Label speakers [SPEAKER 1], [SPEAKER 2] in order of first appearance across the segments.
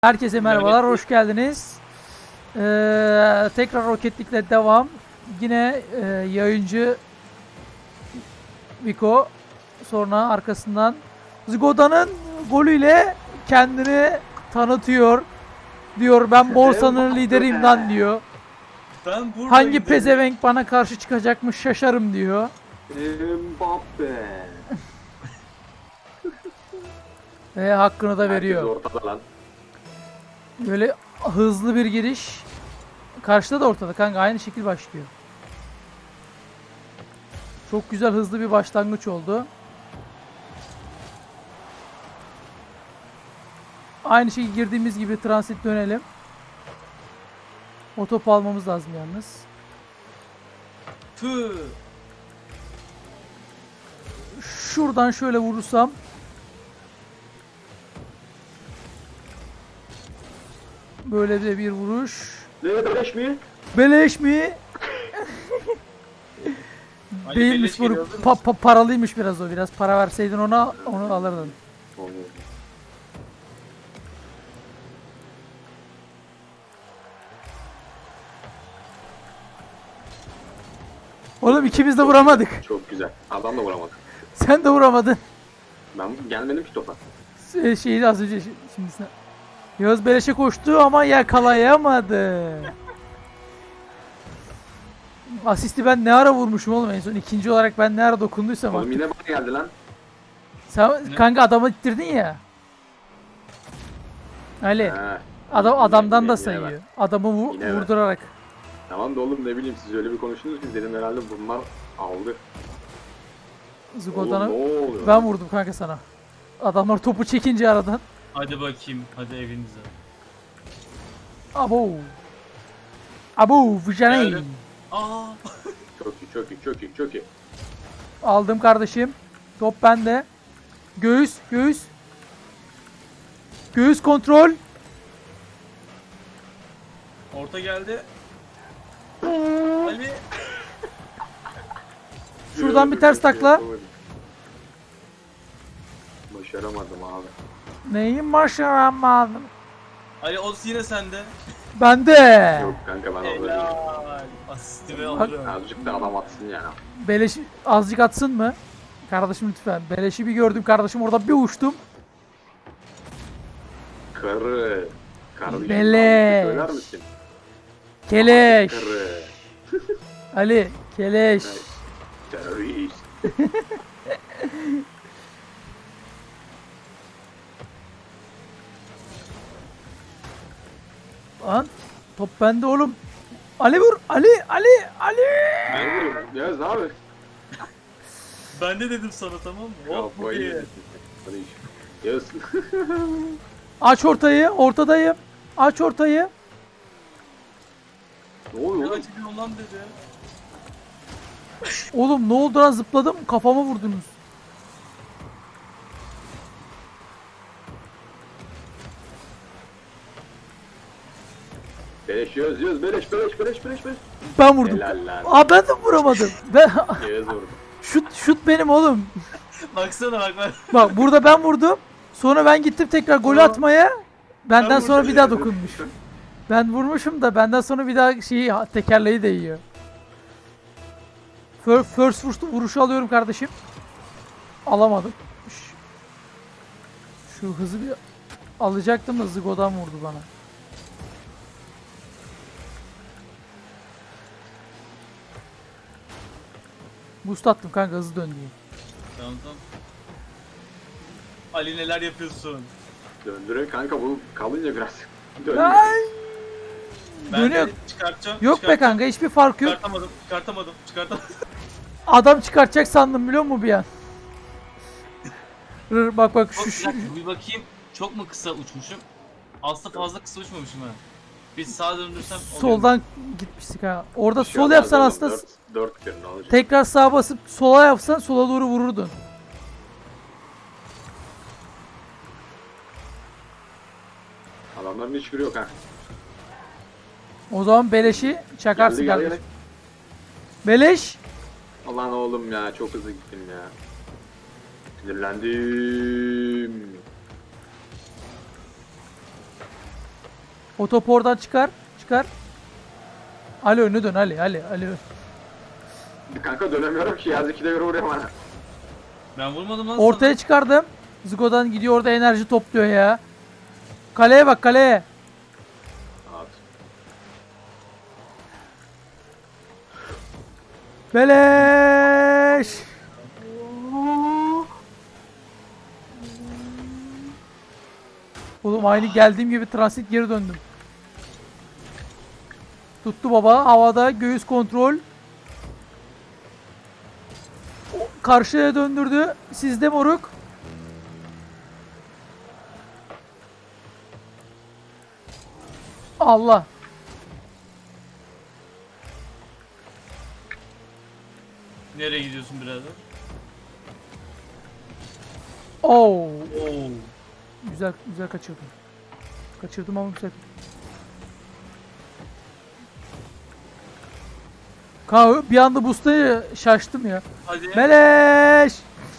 [SPEAKER 1] Herkese merhabalar, hoş geldiniz. Tekrar Roketlik'le devam. Yine yayıncı Vico, sonra arkasından Zgoda'nın golüyle kendini tanıtıyor. Diyor ben borsanın lideriyim lan diyor.
[SPEAKER 2] Ben buradayım
[SPEAKER 1] Hangi
[SPEAKER 2] dedim.
[SPEAKER 1] pezevenk bana karşı çıkacakmış şaşarım diyor.
[SPEAKER 3] Mbappe.
[SPEAKER 1] Ve hakkını da
[SPEAKER 3] Herkes
[SPEAKER 1] veriyor.
[SPEAKER 3] ortada lan.
[SPEAKER 1] Böyle hızlı bir giriş. Karşıda da ortada kanka, aynı şekil başlıyor. Çok güzel hızlı bir başlangıç oldu. Aynı şekilde girdiğimiz gibi transit dönelim. O topu almamız lazım yalnız.
[SPEAKER 2] Tüh.
[SPEAKER 1] Şuradan şöyle vurursam. Böyle de bir vuruş.
[SPEAKER 3] Ne beleş mi?
[SPEAKER 1] Beleş mi?
[SPEAKER 2] Ali
[SPEAKER 1] Değilmiş,
[SPEAKER 2] beleş geliyor,
[SPEAKER 1] bu paralıymış biraz o. Biraz para verseydin ona, onu alırdın.
[SPEAKER 3] Olmuyor.
[SPEAKER 1] Oğlum ikimiz de vuramadık.
[SPEAKER 3] Çok güzel. Adam da vuramadı.
[SPEAKER 1] Sen de vuramadın.
[SPEAKER 3] Ben gelmedim ki topa.
[SPEAKER 1] Şeyi az önce şimdi sen. Yağız beleşe koştu ama yakalayamadı. Asisti ben ne ara vurmuşum oğlum en son. İkinci olarak ben ne ara dokunduysam
[SPEAKER 3] Oğlum
[SPEAKER 1] artık.
[SPEAKER 3] yine bana geldi lan.
[SPEAKER 1] Sen kanka adamı ittirdin ya. Ali
[SPEAKER 3] He.
[SPEAKER 1] adamdan da
[SPEAKER 3] Yine
[SPEAKER 1] sayıyor.
[SPEAKER 3] ben.
[SPEAKER 1] Adamı
[SPEAKER 3] Yine ben.
[SPEAKER 1] vurdurarak.
[SPEAKER 3] Tamam da oğlum ne bileyim siz öyle bir konuştunuz ki dedim herhalde bunlar aldı.
[SPEAKER 1] Zgoda'nı
[SPEAKER 3] Oğlum ne oluyor?
[SPEAKER 1] ben vurdum kanka sana. Adamlar topu çekince aradan.
[SPEAKER 2] Hadi bakayım, hadi evinize.
[SPEAKER 1] Abo. Abo Vijaney.
[SPEAKER 2] Geldim. Aa.
[SPEAKER 3] Çok iyi çok iyi çok iyi çok iyi.
[SPEAKER 1] Aldım kardeşim. Top bende. Göğüs, göğüs. Göğüs kontrol.
[SPEAKER 2] Orta geldi. Ali.
[SPEAKER 1] Şuradan bir ters takla.
[SPEAKER 3] Başaramadım abi.
[SPEAKER 1] Neyin başaramadım?
[SPEAKER 2] Ali o yine sende.
[SPEAKER 1] Bende.
[SPEAKER 3] Yok kanka ben alırım.
[SPEAKER 2] Helal. Asistimi alırım.
[SPEAKER 3] Azıcık da adam atsın yani.
[SPEAKER 1] Beleş azıcık atsın mı? Kardeşim lütfen. Beleşi bir gördüm kardeşim, orada bir uçtum.
[SPEAKER 3] Karı. Kardeşim.
[SPEAKER 1] Beleş.
[SPEAKER 3] Söyler misin?
[SPEAKER 1] Keleş.
[SPEAKER 3] Karı.
[SPEAKER 1] Ali, keleş.
[SPEAKER 3] Terörist.
[SPEAKER 1] Lan top bende oğlum. Ali vur. Ali, Ali, Ali.
[SPEAKER 3] Ne vuruyorsun? Yaz ne abi?
[SPEAKER 2] Ben de dedim sana, tamam mı? Hop bu iyi.
[SPEAKER 3] Hadi iş. Yaz.
[SPEAKER 1] Aç ortayı, ortadayım. Aç ortayı.
[SPEAKER 3] Ne oluyor
[SPEAKER 2] Ne
[SPEAKER 3] oğlum?
[SPEAKER 2] açılıyor lan dedi.
[SPEAKER 1] Oğlum ne oldu lan, zıpladım. Kafama vurdunuz.
[SPEAKER 3] Beleş yaz yaz beleş beleş beleş beleş beleş.
[SPEAKER 1] Ben vurdum.
[SPEAKER 3] Helal lan.
[SPEAKER 1] Aa ben de vuramadım. Ben
[SPEAKER 3] Yaz vurdu.
[SPEAKER 1] şut benim oğlum.
[SPEAKER 2] Baksana bak ben.
[SPEAKER 1] Bak burada ben vurdum. Sonra ben gittim tekrar golü
[SPEAKER 2] Aa.
[SPEAKER 1] atmaya. Benden
[SPEAKER 2] Ben
[SPEAKER 1] sonra
[SPEAKER 2] vurdum.
[SPEAKER 1] bir daha dokunmuş. Ben vurmuşum da benden sonra bir daha şeyi, tekerleği değiyor. First vuruşu alıyorum kardeşim. Alamadım. Şu hızı bir alacaktım da Zgo'dan vurdu bana. Boost attım kanka, hızlı dön diye.
[SPEAKER 2] Tamam tamam. Ali neler yapıyorsun?
[SPEAKER 3] Döndürüyor kanka bu kalınca biraz. Döndürüyor.
[SPEAKER 1] Ay!
[SPEAKER 2] Ben
[SPEAKER 1] Dönüyor.
[SPEAKER 2] de çıkartacağım.
[SPEAKER 1] Yok be
[SPEAKER 2] çıkartacağım.
[SPEAKER 1] kanka, hiçbir fark yok.
[SPEAKER 2] Çıkartamadım.
[SPEAKER 1] Adam çıkartacak sandım biliyor musun bir an? Bak bak
[SPEAKER 2] Çok,
[SPEAKER 1] şu
[SPEAKER 2] bir bakayım, çok mu kısa uçmuşum? Aslında fazla kısa uçmamışım ha. Bir sağa döndürsem oluyor.
[SPEAKER 1] soldan gitmiştik ha. Orada
[SPEAKER 3] Bir şey
[SPEAKER 1] sol
[SPEAKER 3] olmaz
[SPEAKER 1] yapsan
[SPEAKER 3] oğlum,
[SPEAKER 1] aslında
[SPEAKER 3] dört kere ne olacak?
[SPEAKER 1] tekrar sağa basıp sola yapsan sola doğru vururdun.
[SPEAKER 3] Adamların hiçbiri yok ha.
[SPEAKER 1] O zaman beleşi çakarsın
[SPEAKER 3] Geldi, geldi,
[SPEAKER 1] kardeşim. Beleş.
[SPEAKER 3] Alan oğlum ya çok hızlı gittim ya. Sinirlendim.
[SPEAKER 1] O topu oradan çıkar. Çıkar. Ali önüne dön Ali. Ali.
[SPEAKER 3] Kanka dönemiyorum ki ya. Zeki de göre vuruyor bana.
[SPEAKER 2] Ben vurmadım lan
[SPEAKER 1] Ortaya çıkardım. Zigo'dan gidiyor orada enerji topluyor ya. Kaleye bak kaleye.
[SPEAKER 3] At.
[SPEAKER 1] Beleş. Oğlum aynı geldiğim gibi transit geri döndüm. Tuttu baba havada göğüs kontrol. Karşıya döndürdü. Sizde moruk. Allah.
[SPEAKER 2] Nereye gidiyorsun birader?
[SPEAKER 1] Oo.
[SPEAKER 2] Oo.
[SPEAKER 1] Güzel kaçırdım. Kaçırdım ama güzel. Bir anda boost'a şaştım ya.
[SPEAKER 2] Hadi.
[SPEAKER 1] Meleş.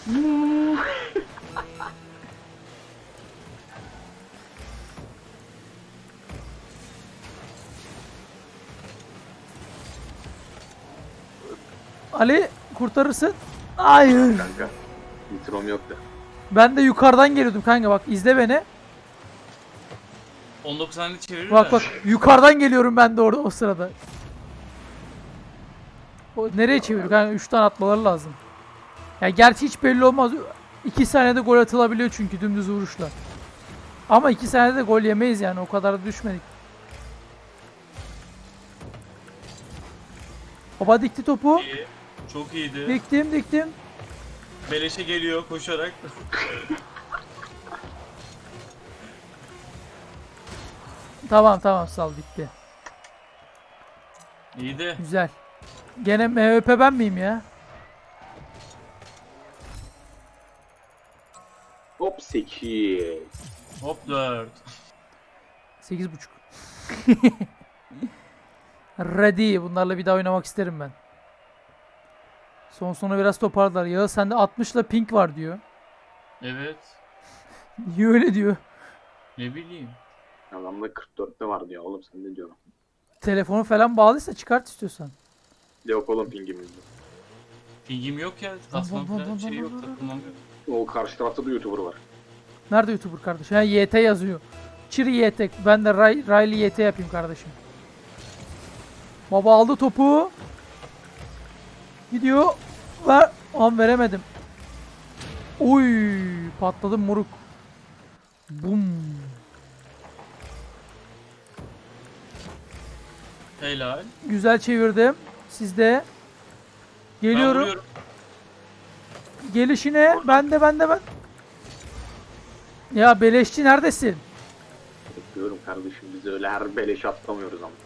[SPEAKER 1] Ali kurtarırsın. Hayır.
[SPEAKER 3] Kanka. Nitrom yoktu.
[SPEAKER 1] Ben de yukarıdan geliyordum kanka bak izle beni.
[SPEAKER 2] 19 saniye çevirir
[SPEAKER 1] Bak yukarıdan geliyorum ben de orada o sırada. O nereye çeviriyor kanka 3 tane atmaları lazım. Ya gerçi hiç belli olmaz. 2 saniyede gol atılabiliyor çünkü dümdüz vuruşla. Ama 2 saniyede gol yemeyiz yani o kadar da düşmedik. Baba dikti topu.
[SPEAKER 2] İyi. Çok iyiydi.
[SPEAKER 1] Diktim.
[SPEAKER 2] Beleşe geliyor koşarak.
[SPEAKER 1] Tamam sal bitti.
[SPEAKER 2] İyiydi.
[SPEAKER 1] Güzel. Gene MVP ben miyim ya?
[SPEAKER 3] Hop 8.
[SPEAKER 2] Hop 4.
[SPEAKER 1] 8.5. Ready. Bunlarla bir daha oynamak isterim ben. Sonra biraz toparlar. Ya sende 60 ile ping var diyor.
[SPEAKER 2] Evet.
[SPEAKER 1] Niye öyle diyor?
[SPEAKER 2] Ne bileyim.
[SPEAKER 3] Adamda 44'te var diyor oğlum sen ne diyorsun?
[SPEAKER 1] Telefonu falan bağlıysa çıkart istiyorsan.
[SPEAKER 3] Yok oğlum pingimizde.
[SPEAKER 2] Pingim yok ya. Tasmam falan şey yok. Takılmam yok.
[SPEAKER 3] O karşı tarafta da YouTuber var.
[SPEAKER 1] Nerede YouTuber kardeşim? Ha YT yazıyor. Çiri YT. Ben de Riley YT yapayım kardeşim. Baba aldı topu. Gidiyor. Ver. An veremedim. Oy patladım moruk. Bum.
[SPEAKER 2] Helal.
[SPEAKER 1] Güzel çevirdim. Sizde.
[SPEAKER 2] Ben
[SPEAKER 1] Geliyorum.
[SPEAKER 2] vuruyorum.
[SPEAKER 1] Gelişine. Ben. Ya beleşçi neredesin?
[SPEAKER 3] Bekliyorum kardeşim biz öyle her beleş atlamıyoruz ama.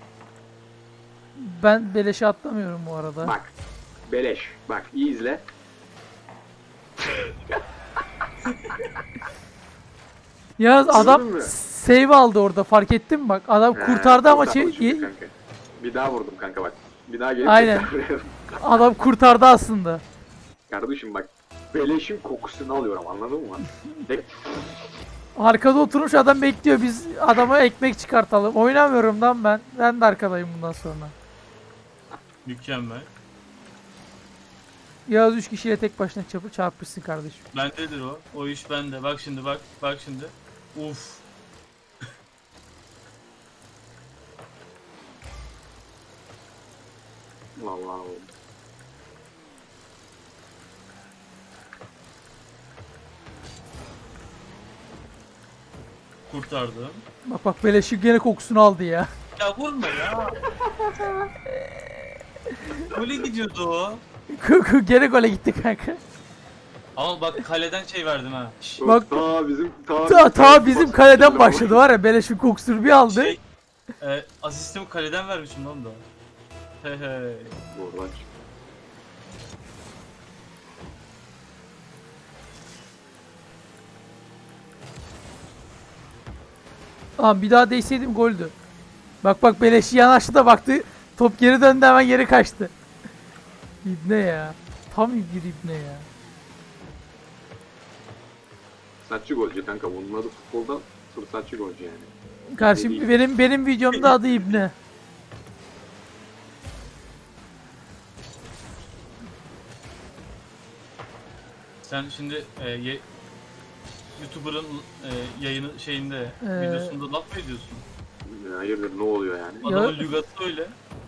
[SPEAKER 1] Ben beleşe atlamıyorum bu arada.
[SPEAKER 3] Bak. Beleş. Bak iyi izle.
[SPEAKER 1] Yalnız adam
[SPEAKER 3] Gördün mü?
[SPEAKER 1] save aldı orada fark ettin mi bak. Adam kurtardı ama
[SPEAKER 3] kurtardı çünkü kanka. Bir daha vurdum kanka bak. Bir daha gelip
[SPEAKER 1] Aynen.
[SPEAKER 3] tekrar vuruyorum.
[SPEAKER 1] adam kurtardı aslında.
[SPEAKER 3] Kardeşim bak. Beleşin kokusunu alıyorum anladın mı? Tek
[SPEAKER 1] Arkada oturmuş adam bekliyor. Biz adama ekmek çıkartalım. Oynamıyorum lan ben. Ben de arkadayım bundan sonra.
[SPEAKER 2] Mükemmel.
[SPEAKER 1] Yağız 3 kişiyle tek başına çarpışsın kardeşim.
[SPEAKER 2] Bendedir o. O iş bende. Bak şimdi bak. Bak şimdi. Uf.
[SPEAKER 3] vallahi
[SPEAKER 2] Kurtardım.
[SPEAKER 1] Bak beleşi gene kokusunu aldı ya.
[SPEAKER 2] Ya vurma ya. Gole gidiyordu o.
[SPEAKER 1] Gene gole gitti kanka.
[SPEAKER 2] Ama bak kaleden şey verdim ha.
[SPEAKER 1] Bak-
[SPEAKER 3] ta bizim
[SPEAKER 1] Ta bizim kaleden başladı var ya beleşin kokusunu bir aldı.
[SPEAKER 2] Şey, asistimi kaleden vermişim lan da. He he.
[SPEAKER 3] Buradan çık.
[SPEAKER 1] Tamam bir daha değseydim goldü. Bak beleşi yanaştı da baktı. Top geri döndü hemen geri kaçtı. İbne ya. Tam bir ibne ya.
[SPEAKER 3] Fırsatçı golcü kanka bunun adı futbolda fırsatçı golcü yani.
[SPEAKER 1] Karşım benim videomda adı İbne.
[SPEAKER 2] Sen şimdi YouTuber'ın yayını şeyinde videosunda laf mı ediyorsun?
[SPEAKER 3] Hayırdır ne oluyor yani?
[SPEAKER 2] Adamın lügatı öyle.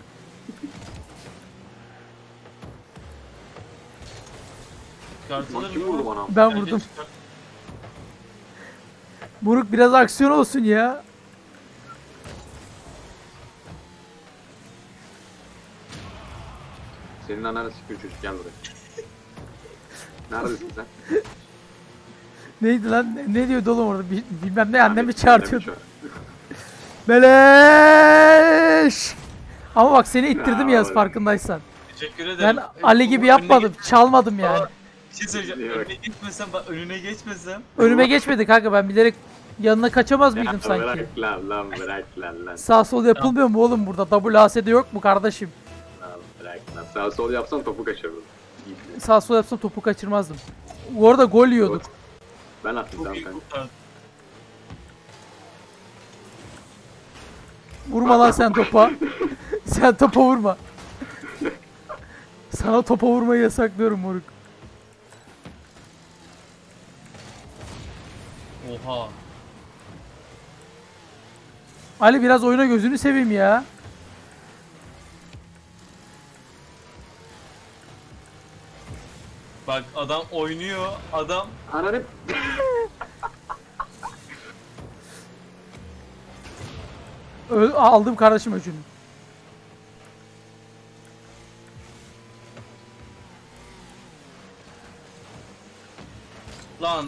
[SPEAKER 2] Çıkartılır
[SPEAKER 3] Kim vurdu bana?
[SPEAKER 1] Ben
[SPEAKER 2] Bence
[SPEAKER 1] vurdum.
[SPEAKER 2] çıkart-
[SPEAKER 1] Buruk biraz aksiyon olsun ya.
[SPEAKER 3] Senin ananı sikiyor çocuk gel buraya. Neredesin sen?
[SPEAKER 1] Neydi lan? Ne diyordu oğlum orada? Bilmem ne annemi
[SPEAKER 3] Annemi
[SPEAKER 1] çağırtıyordu.
[SPEAKER 3] çağır.
[SPEAKER 1] Beleş. Ama bak seni ittirdim
[SPEAKER 3] Ya,
[SPEAKER 1] Yaz farkındaysan.
[SPEAKER 2] Teşekkür ederim.
[SPEAKER 1] Ben Ali gibi
[SPEAKER 2] Önüne
[SPEAKER 1] yapmadım.
[SPEAKER 2] geç-
[SPEAKER 1] Çalmadım yani.
[SPEAKER 2] Aa, Bir şey söyleyeceğim.
[SPEAKER 3] İyi bak.
[SPEAKER 2] Önüne geçmesem, bak önüne geçmesem.
[SPEAKER 1] Önüme geçmedi kanka, ben bilerek yanına kaçamaz mıydım
[SPEAKER 3] Ya
[SPEAKER 1] sanki?
[SPEAKER 3] bırak lan bırak lan.
[SPEAKER 1] Sağ sol yapılmıyor mu oğlum burada? WASD yok mu kardeşim?
[SPEAKER 3] Lan bırak lan. Sağ sol yapsan topu kaçırırım.
[SPEAKER 1] Sağ sol yapsam topu kaçırmazdım. Bu arada gol yiyorduk.
[SPEAKER 3] Ben attım
[SPEAKER 2] Çok
[SPEAKER 3] tamam
[SPEAKER 2] iyi
[SPEAKER 3] kanka.
[SPEAKER 2] kurtardın.
[SPEAKER 1] Vurma lan sen topa. Sen topa vurma. Sana topa vurmayı yasaklıyorum moruk.
[SPEAKER 2] Oha.
[SPEAKER 1] Ali biraz oyuna gözünü seveyim ya.
[SPEAKER 2] Bak adam oynuyor. Adam
[SPEAKER 3] Ananı
[SPEAKER 1] Aldım kardeşim öcünü.
[SPEAKER 2] lan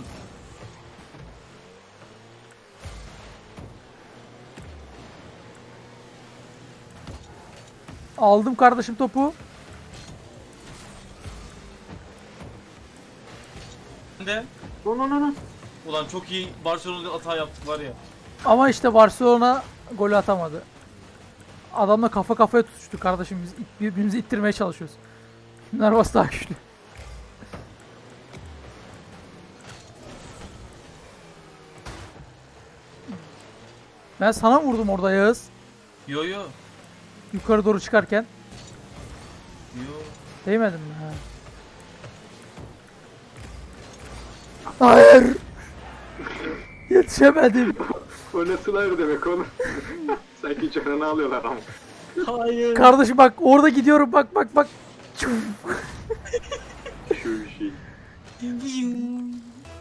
[SPEAKER 1] Aldım kardeşim topu.
[SPEAKER 2] de
[SPEAKER 3] no.
[SPEAKER 2] ulan çok iyi Barcelona'da hata yaptık var ya.
[SPEAKER 1] Ama işte Barcelona golü atamadı. Adamla kafa kafaya tutuştuk kardeşim, biz birbirimizi ittirmeye çalışıyoruz. Narvas daha güçlü. Ben sana vurdum orada Yağız.
[SPEAKER 2] Yo yo.
[SPEAKER 1] Yukarı doğru çıkarken.
[SPEAKER 2] Yo.
[SPEAKER 1] Değmedin mi? Ha. Hayır. Yetişemedim.
[SPEAKER 3] O nasıl hayır demek oğlum. Sanki canını alıyorlar ama.
[SPEAKER 2] Hayır.
[SPEAKER 1] Kardeşim bak orada gidiyorum, bak.
[SPEAKER 3] Şu bir şey. Hmm.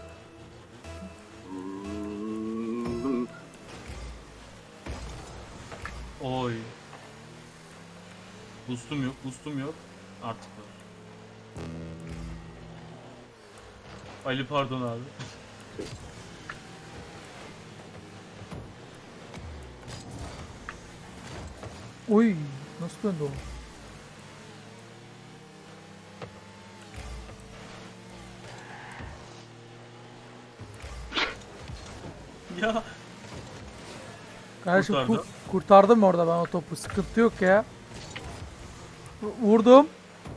[SPEAKER 2] Oy. Boostum yok. Artık var. Ali pardon abi.
[SPEAKER 1] Oy, nasıl döndü o?
[SPEAKER 2] Ya.
[SPEAKER 1] Kardeşim
[SPEAKER 2] Kurtardı.
[SPEAKER 1] kurtardım orada ben o topu. Sıkıntı yok ya. Vurdum.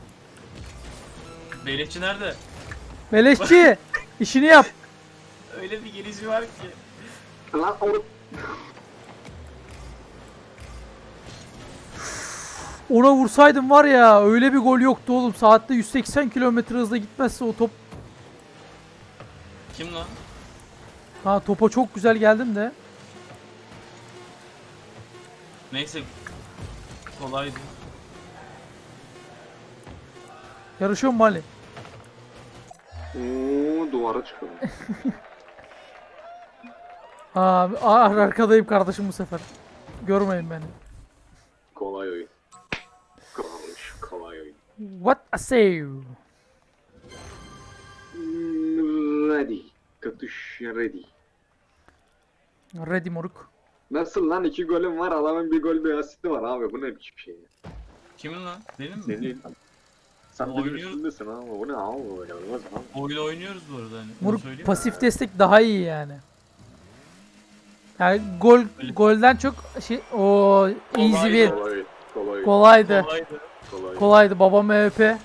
[SPEAKER 2] Beylikçi nerede?
[SPEAKER 1] Beleşçi, işini yap.
[SPEAKER 2] Öyle bir gelişi var ki.
[SPEAKER 3] Lan oğlum.
[SPEAKER 1] Ona vursaydım var ya, öyle bir gol yoktu oğlum. Saatte 180 kilometre hızla gitmezse o top.
[SPEAKER 2] Kim lan?
[SPEAKER 1] Ha, topa çok güzel geldim de.
[SPEAKER 2] Neyse. Kolaydı.
[SPEAKER 1] Yarışıyor mu Ali?
[SPEAKER 3] Oo, duvara çıkıyor.
[SPEAKER 1] Arkadayım kardeşim bu sefer. Görmeyin beni.
[SPEAKER 3] Kolay oyun. Kolay oyun.
[SPEAKER 1] What a save.
[SPEAKER 3] Ready. Katış ready.
[SPEAKER 1] Ready moruk.
[SPEAKER 3] Nasıl lan 2 golüm var adamın bir gol bir asisti var abi bu ne biçim şey ya.
[SPEAKER 2] Kimin lan? Benim mi?
[SPEAKER 3] Senin. Sen benim
[SPEAKER 2] Oynuyoruz.
[SPEAKER 3] üstündesin abi bu ne abi böyle olmaz abi.
[SPEAKER 2] Oyunu oynuyoruz bu arada hani. onu
[SPEAKER 1] Moruk
[SPEAKER 2] söyleyeyim.
[SPEAKER 1] pasif destek daha iyi yani. Yani
[SPEAKER 2] Öyle.
[SPEAKER 1] golden çok şey o easy
[SPEAKER 2] Kolaydı.
[SPEAKER 1] win.
[SPEAKER 3] Kolay.
[SPEAKER 1] Kolaydı.
[SPEAKER 2] Kolaydı.
[SPEAKER 3] Kolay.
[SPEAKER 1] Kolaydı babam MVP.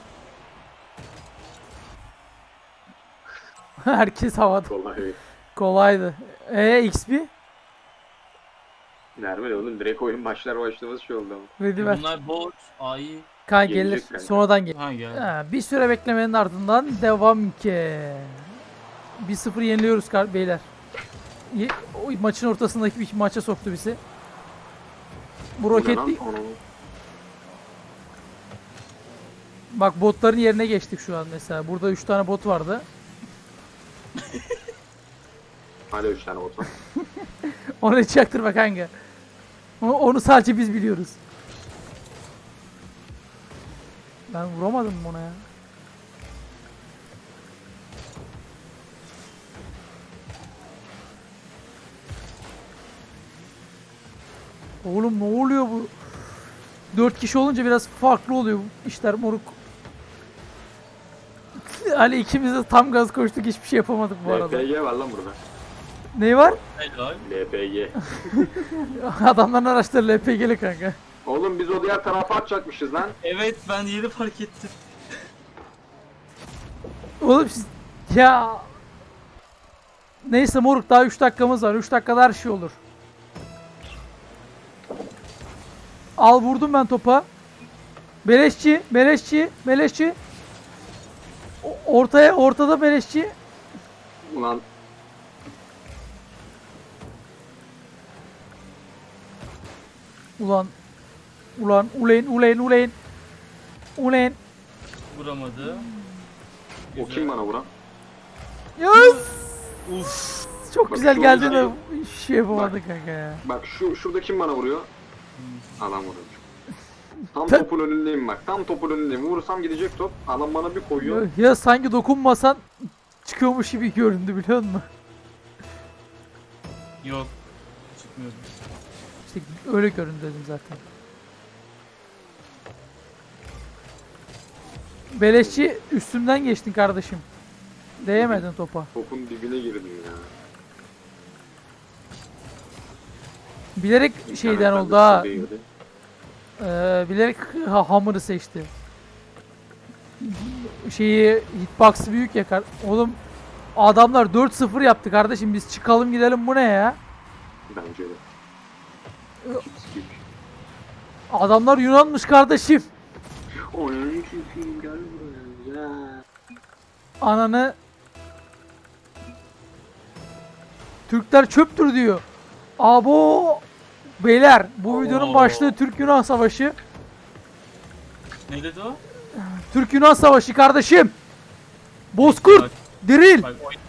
[SPEAKER 1] Herkes havada.
[SPEAKER 3] Kolay.
[SPEAKER 1] Kolaydı. XP?
[SPEAKER 3] Nerede oğlum direkt oyun başlamaz şey oldu ama.
[SPEAKER 1] Ready ver.
[SPEAKER 2] Bunlar bot. Ay.
[SPEAKER 1] Kan gelir.
[SPEAKER 3] Gelecek kanka.
[SPEAKER 1] Sonradan gelir.
[SPEAKER 2] Ha gel.
[SPEAKER 1] Ha, bir süre beklemenin ardından devam ki. 1-0 yeniliyoruz beyler. O maçın ortasındaki bir maça soktu bizi. Bu roketli. Bak botların yerine geçtik şu an mesela. Burada 3 tane bot vardı.
[SPEAKER 3] Hala 3 tane bot var.
[SPEAKER 1] Onu hiç çaktırma kanka. Onu sadece biz biliyoruz. Ben vuramadım ona ya. Oğlum ne oluyor bu? 4 kişi olunca biraz farklı oluyor bu işler moruk. Hani ikimiz de tam gaz koştuk hiçbir şey yapamadık bu arada.
[SPEAKER 3] LPG var lan burada.
[SPEAKER 1] Ne var?
[SPEAKER 2] Helal.
[SPEAKER 3] LPG.
[SPEAKER 1] Adamların araçları LPG'li kanka.
[SPEAKER 3] Oğlum biz o diğer tarafa atacakmışız lan.
[SPEAKER 2] Evet ben yeni fark ettim.
[SPEAKER 1] Oğlum siz... Ya... Neyse moruk daha 3 dakikamız var. 3 dakikada her şey olur. Al vurdum ben topa. Beleşçi, beleşçi, beleşçi. Ortada beleşçi.
[SPEAKER 3] Ulan
[SPEAKER 1] Ulan. Ulan. Ulan.
[SPEAKER 2] Vuramadı.
[SPEAKER 3] o kim bana vuran?
[SPEAKER 1] Yes!
[SPEAKER 2] Uf.
[SPEAKER 1] Çok
[SPEAKER 3] Bak
[SPEAKER 1] güzel
[SPEAKER 3] şu
[SPEAKER 1] geldi
[SPEAKER 3] oyuncu-
[SPEAKER 1] de hiçbir şey yapamadık kanka ya.
[SPEAKER 3] Bak şurada kim bana vuruyor? Adam vuruyor. Tam
[SPEAKER 1] Ta-
[SPEAKER 3] topun önündeyim bak. Tam topun önündeyim. Vurursam gidecek top. Adam bana bir koyuyor.
[SPEAKER 1] Ya sanki dokunmasan çıkıyormuş gibi göründü biliyor musun?
[SPEAKER 2] Yok. Çıkmıyordu.
[SPEAKER 1] İşte öyle göründü dedim zaten. Beleşçi üstümden geçtin kardeşim. Değemedin topa.
[SPEAKER 3] Topun dibine girdim ya.
[SPEAKER 1] Bilerek şeyden
[SPEAKER 3] İnternetten
[SPEAKER 1] oldu
[SPEAKER 3] de
[SPEAKER 1] ha.
[SPEAKER 3] su değirdi.
[SPEAKER 1] Bilerek hammer'ı seçti. Şeyi hitbox'ı büyük ya. Oğlum adamlar 4-0 yaptı kardeşim. Biz çıkalım gidelim bu ne ya?
[SPEAKER 3] Bence de. Sikik.
[SPEAKER 1] Adamlar Yunanmış kardeşim.
[SPEAKER 3] Oyun çekeyim gel buraya ya.
[SPEAKER 1] Ananı Türkler çöptür diyor. Abo beyler bu videonun
[SPEAKER 2] Oo.
[SPEAKER 1] başlığı Türk-Yunan Savaşı.
[SPEAKER 2] Ne dedi o?
[SPEAKER 1] Türk-Yunan Savaşı kardeşim. Bozkurt,
[SPEAKER 2] Bak,
[SPEAKER 1] diril.
[SPEAKER 2] bak oy.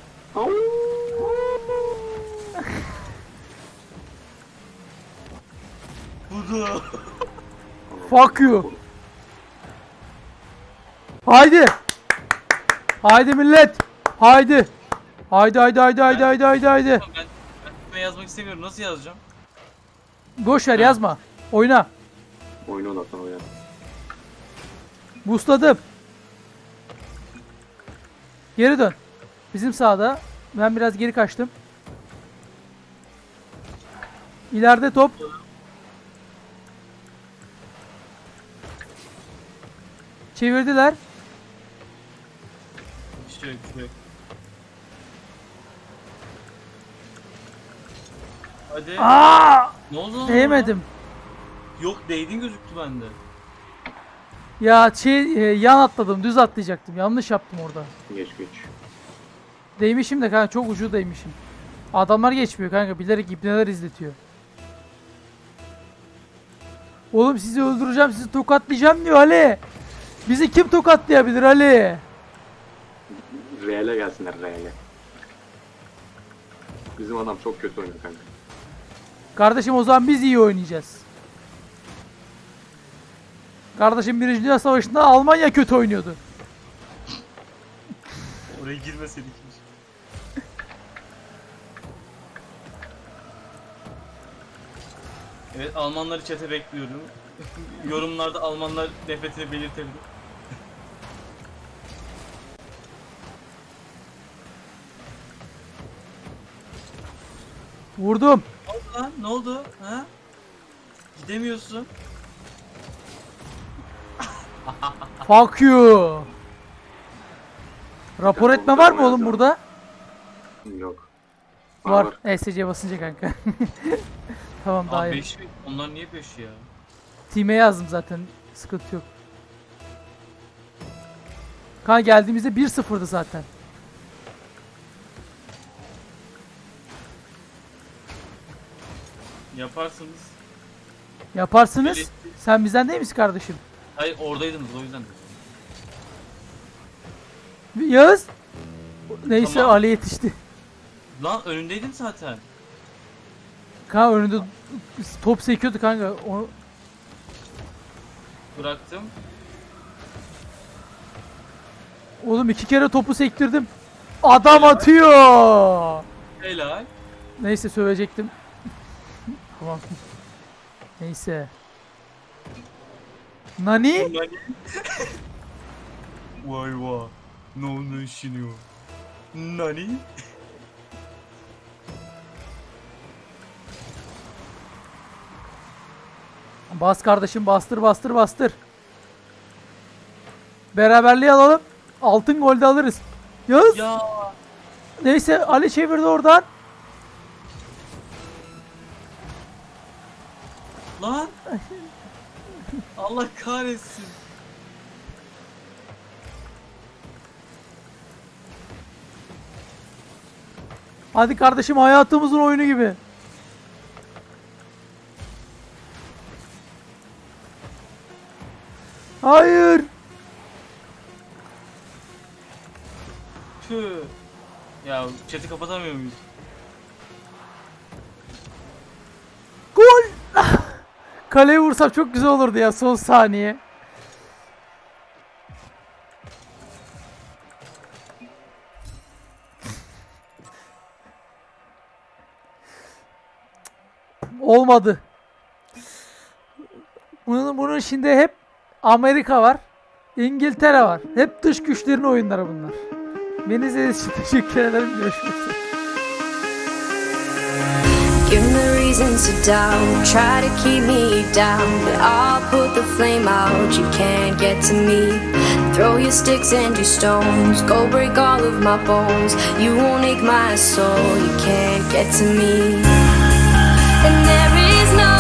[SPEAKER 2] Budu.
[SPEAKER 1] Fuck you. Haydi. Haydi millet. Haydi. Haydi.
[SPEAKER 2] Ben ismi yazmak istemiyorum. Nasıl yazacağım?
[SPEAKER 1] Boş ver yazma. Oyna.
[SPEAKER 3] Oyunu odaklan oyna.
[SPEAKER 1] Boostladım. Geri dön. Bizim sağda. Ben biraz geri kaçtım. İleride top. Çevirdiler.
[SPEAKER 2] Bir şey yok, bir şey yok. Hadi.
[SPEAKER 1] Aa!
[SPEAKER 2] Ne oldu lan?
[SPEAKER 1] Değmedim.
[SPEAKER 2] orada? Yok değdin gözüktü bende.
[SPEAKER 1] Ya yan atladım. Düz atlayacaktım. Yanlış yaptım orada.
[SPEAKER 3] Geç.
[SPEAKER 1] Değmişim de kanka çok ucu değmişim. Adamlar geçmiyor kanka. Bilerek ibneler izletiyor. Oğlum sizi öldüreceğim. Sizi tokatlayacağım diyor Ali. Bizi kim tokatlayabilir Ali?
[SPEAKER 3] Real'e gelsinler Real'e. Bizim adam çok kötü oynuyor kanka.
[SPEAKER 1] Kardeşim o zaman biz iyi oynayacağız. Kardeşim 1. Dünya Savaşı'nda Almanya kötü oynuyordu.
[SPEAKER 2] Oraya girmeseydik. Evet Almanları çete bekliyorum. Yorumlarda Almanlar nefretini belirtebilir.
[SPEAKER 1] Vurdum.
[SPEAKER 2] Ne oldu lan? Ne oldu? Ha? Gidemiyorsun.
[SPEAKER 1] Fuck you. Rapor etme var mı oğlum burada?
[SPEAKER 3] Yok.
[SPEAKER 1] Var. ESC basınca kanka. Tamam daha
[SPEAKER 2] Abi
[SPEAKER 1] iyi.
[SPEAKER 2] 5 onlar niye 5 ya?
[SPEAKER 1] Team'e yazdım zaten. Sıkıntı yok. Kanka geldiğimizde 1-0'dı zaten.
[SPEAKER 2] Yaparsınız.
[SPEAKER 1] Yaparsınız.
[SPEAKER 2] Biri-
[SPEAKER 1] Sen bizden değil misin kardeşim?
[SPEAKER 2] Hayır oradaydınız o yüzden.
[SPEAKER 1] Yağız. Neyse
[SPEAKER 2] Tamam.
[SPEAKER 1] Ali yetişti.
[SPEAKER 2] Lan önündeydin zaten.
[SPEAKER 1] Kanka önünde top sekiyordu kanka.
[SPEAKER 2] Bıraktım.
[SPEAKER 1] Oğlum 2 kere topu sektirdim. Adam atıyor.
[SPEAKER 2] Helal.
[SPEAKER 1] Neyse sövecektim. Tamam. Neyse. Nani?
[SPEAKER 2] Vay vay. Ne oldu şimdi o? Nani?
[SPEAKER 1] Bas kardeşim bastır bastır bastır. Beraberliği alalım. Altın golde alırız. Yağız.
[SPEAKER 2] Ya.
[SPEAKER 1] Neyse Ali çevirdi oradan.
[SPEAKER 2] Lan. Allah kahretsin.
[SPEAKER 1] Hadi kardeşim hayatımızın oyunu gibi. Hayır.
[SPEAKER 2] Tüh. Ya chat'i kapatamıyor muyuz?
[SPEAKER 1] Gol. Kaleye vursam çok güzel olurdu ya son saniye. Olmadı. Bunun içinde hep Amerika var. İngiltere var. Hep dış güçlerin oyunları bunlar. Beni izlediğiniz için teşekkür ederim. Görüşmek üzere.
[SPEAKER 4] Give me reasons to doubt, try to keep me down, but I'll put the flame out, you can't get to me. Throw your sticks and your stones, go break all of my bones. You won't ache my soul, you can't get to me. And there is no